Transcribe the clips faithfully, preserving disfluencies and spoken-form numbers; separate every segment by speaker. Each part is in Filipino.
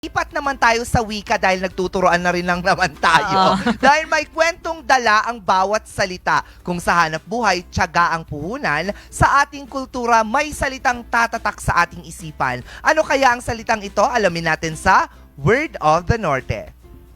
Speaker 1: Lipat naman tayo sa wika dahil nagtuturoan na rin lang naman tayo. Dahil may kwentong dala ang bawat salita. Kung sa hanap buhay, tiyaga ang puhunan, sa ating kultura may salitang tatatak sa ating isipan. Ano kaya ang salitang ito? Alamin natin sa Word of the Norte.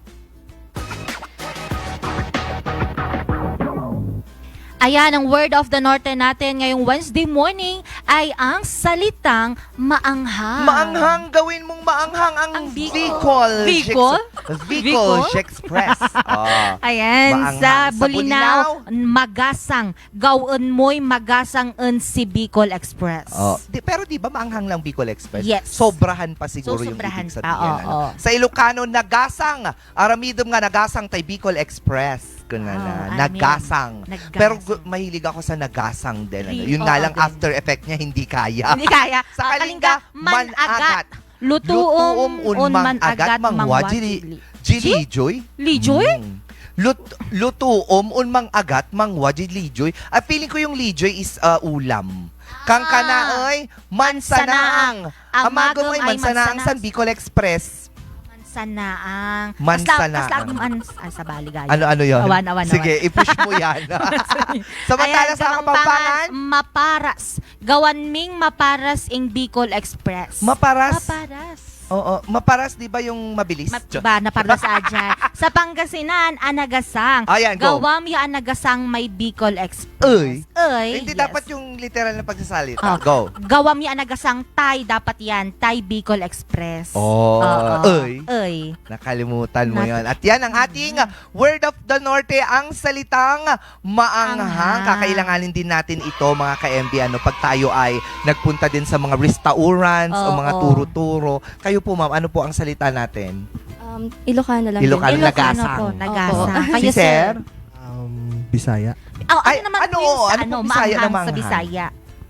Speaker 2: Ayan, ang word of the Norte natin ngayong Wednesday morning ay ang salitang maanghang.
Speaker 1: Maanghang, gawin mong maanghang ang,
Speaker 2: Ang Bicol.
Speaker 1: Bicol.
Speaker 2: Bicol?
Speaker 1: Bicol Express. Oh.
Speaker 2: Ayan,
Speaker 1: Maanghang.
Speaker 2: sa
Speaker 1: Sa
Speaker 2: Bulinaw, magasang. Gawin mo'y magasang en si Bicol Express.
Speaker 1: Oh. Di, pero di ba maanghang lang Bicol Express?
Speaker 2: Yes.
Speaker 1: Sobrahan pa siguro
Speaker 2: So,
Speaker 1: yung
Speaker 2: sobrahan
Speaker 1: ibig
Speaker 2: pa,
Speaker 1: sabihin.
Speaker 2: oo,
Speaker 1: ano?
Speaker 2: oo.
Speaker 1: Sa Ilocano, nagasang. Aramidom nga nagasang tay Bicol Express. Kuna na.
Speaker 2: Ah,
Speaker 1: Nagasang.
Speaker 2: Nagasang.
Speaker 1: Pero gu- mahilig ako sa nagasang din. Ano?
Speaker 2: Ri-
Speaker 1: Yun nga
Speaker 2: oo
Speaker 1: lang,
Speaker 2: din.
Speaker 1: after effect niya, hindi kaya.
Speaker 2: Hindi kaya.
Speaker 1: Sa
Speaker 2: Ah,
Speaker 1: Kalinga, managat.
Speaker 2: Lutuom
Speaker 1: Lutuom un man-agat
Speaker 2: mangwajili.
Speaker 1: Jilijoy?
Speaker 2: Lijoy?
Speaker 1: Mm. Lut lutuom un mang-agat mangwajid lijoy. Ah, feeling ko yung lijoy is uh, ulam. Kang kanaoy, mansanaang. Amago mo ay mansanaang san Bicol Express.
Speaker 2: Mansanaang.
Speaker 1: Mansanaang.
Speaker 2: Mas lagi man ay sa baligaya.
Speaker 1: Ano-ano yun?
Speaker 2: Awan, awan,
Speaker 1: Sige, i-push mo yan. Samantala
Speaker 2: Ayan,
Speaker 1: sa Kapampangan,
Speaker 2: maparas. Gawan ming maparas ing Bicol Express.
Speaker 1: maparas.
Speaker 2: Maparas.
Speaker 1: Oo, maparas, di ba yung mabilis?
Speaker 2: Ma- ba, naparas adyan. Sa Pangasinan, anagasang.
Speaker 1: Ayan, go.
Speaker 2: Gawam yung anagasang may Bicol Express.
Speaker 1: Uy.
Speaker 2: Uy,
Speaker 1: Hindi
Speaker 2: yes.
Speaker 1: dapat yung literal na pagsasalita.
Speaker 2: Oh.
Speaker 1: Go.
Speaker 2: Gawam yung anagasang Tay, dapat yan. Tay Bicol Express.
Speaker 1: Oh,
Speaker 2: Oo.
Speaker 1: uy.
Speaker 2: Uy.
Speaker 1: Nakalimutan mo
Speaker 2: Nat-
Speaker 1: yon. At yan ang ating Word of the Norte, ang salitang maanghang.
Speaker 2: Anghang.
Speaker 1: Kakailanganin din natin ito, mga ka-M B, ano, pag tayo ay nagpunta din sa mga restaurants o
Speaker 2: Oo.
Speaker 1: mga turo-turo. Kayo po, ma'am, ano po ang salita natin?
Speaker 3: Um, Ilocano lang.
Speaker 1: Ilocano.
Speaker 3: din.
Speaker 1: nagasang.
Speaker 2: po, nagasang.
Speaker 3: Opo.
Speaker 2: Kayo,
Speaker 1: Si Sir?
Speaker 4: Um, Bisaya.
Speaker 2: Oh, ano
Speaker 1: Ay,
Speaker 2: naman
Speaker 1: ano,
Speaker 2: po yung sa
Speaker 1: ano
Speaker 2: ano,
Speaker 1: pong Bisaya na
Speaker 2: maanghang sa
Speaker 1: maanghang?
Speaker 2: Bisaya?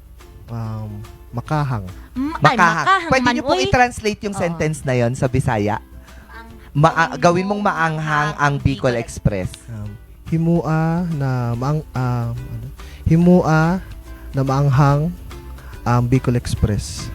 Speaker 4: Um, Makahang.
Speaker 2: Mm, ay,
Speaker 1: Makahang.
Speaker 2: makahang
Speaker 1: Pwede
Speaker 2: man,
Speaker 1: niyo pong
Speaker 2: uy.
Speaker 1: i-translate yung
Speaker 2: Oo.
Speaker 1: sentence na yon sa Bisaya? Ma- gawin mong maanghang ang Bicol Express.
Speaker 4: Um, himua na maang um, ano? Himua na maanghang ang Bicol Express.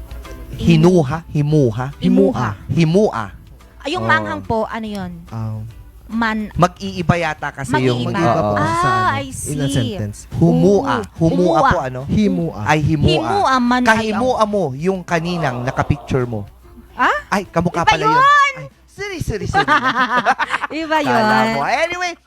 Speaker 1: Hinuha, himuha,
Speaker 2: Himuha.
Speaker 1: himua.
Speaker 2: Ay, yung
Speaker 4: Oo.
Speaker 2: maanghang po, ano yun?
Speaker 4: Um,
Speaker 2: Man,
Speaker 1: Mag-iiba yata kasi yung
Speaker 2: Mag-iiba.
Speaker 4: mag-iba po
Speaker 1: Oo.
Speaker 4: sa
Speaker 2: Ah,
Speaker 4: ano,
Speaker 2: I see.
Speaker 4: in a sentence.
Speaker 1: Humua. Humua
Speaker 2: Humua.
Speaker 1: po ano?
Speaker 4: Himua.
Speaker 1: Ay himua.
Speaker 2: himua man. ay,
Speaker 1: Kahimua mo yung kaninang nakapicture mo.
Speaker 2: Ah?
Speaker 1: Ay, kamukha
Speaker 2: Iba
Speaker 1: pala yun. Ay, sorry, sorry, sorry.
Speaker 2: Iba yun.
Speaker 1: Kala mo. Anyway,